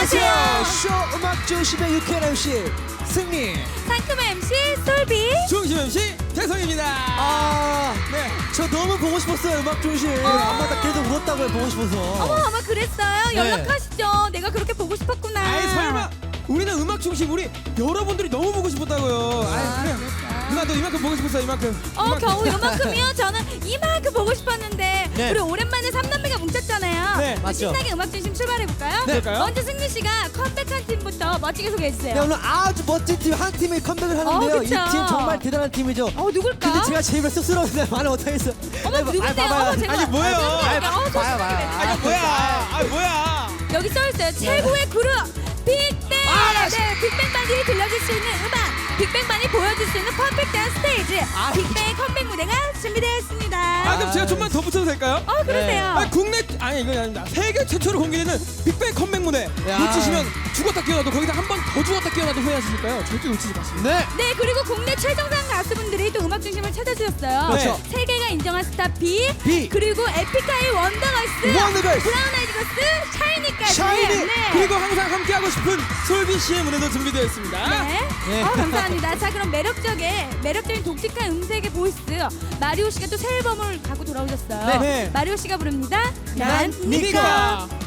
안녕하세요. 쇼 음악 중심의 유쾌한 MC 승리. 상큼한 MC 솔비. 중심 MC 태성입니다. 네, 저 너무 보고 싶었어요. 음악 중심. 아마다 계속 울었다고요. 보고 싶어서. 아마 그랬어요. 연락하시죠. 내가 그렇게 보고 싶었구나. 아이 설마 우리는 음악 중심 우리 여러분들이 너무 보고 싶었다고요. 아이 그래. 누나 너 이만큼 보고 싶었어 이만큼. 겨우 이만큼이요? 저는 이만큼 보고 싶었는데 네. 우리 오랜만에 3남매가 뭉쳤잖아요. 네, 맞죠. 신나게 음악 중심 출발해볼까요? 네. 그럴까요? 먼저 승리 씨가 컴백한 팀부터 멋지게 소개해주세요. 네, 오늘 아주 멋진 팀 한 팀이 컴백을 하는데요. 이 그쵸. 팀 정말 대단한 팀이죠. 누굴까? 근데 제가 제일 쑥스러운데 말을 못하겠어요. 어머 누군데요? 제가 아니, 뭐예요? 봐요. 아니 뭐야? 아 뭐야? 여기 써있어요. 최고의 그룹 빅뱅. 네, 빅뱅만이 들려줄 수 있는 음악. 빅뱅만이 보여줄 수 있는 퍼펙트한 스테이지. 빅뱅의 컴백 무대가 준비되었습니다. 그럼 제가 좀만 더 붙여도 될까요? 그러세요. 아니 국내 아니 이거 아닙니다. 세계 최초로 공개되는 빅뱅 컴백 무대 야. 놓치시면 죽었다 깨어나도 거기다 한 번 더 죽었다 깨어나도 후회하시니까요. 절대 놓치지 마십니다. 네. 그리고 국내 최정상 가수분들이 또 음악 중심을 찾아주셨어요. 그렇죠. 세계가 인정한 스타 B, B. 그리고 에픽하이 원더걸스, 원더걸스. 브라운 아이드 걸스, 샤이니까지. 샤이니. 네. 그리고 항상 함께하고 싶은 솔비 씨의 무대도 준비되어 있습니다. 네. 네. 감사합니다. 자, 그럼 매력적인 독특한 음색의 보이스 마리오 씨가 또 새 앨범을 갖고 돌아오셨어요. 네. 마리오 씨가 부릅니다. 난 난 니꺼. 니꺼.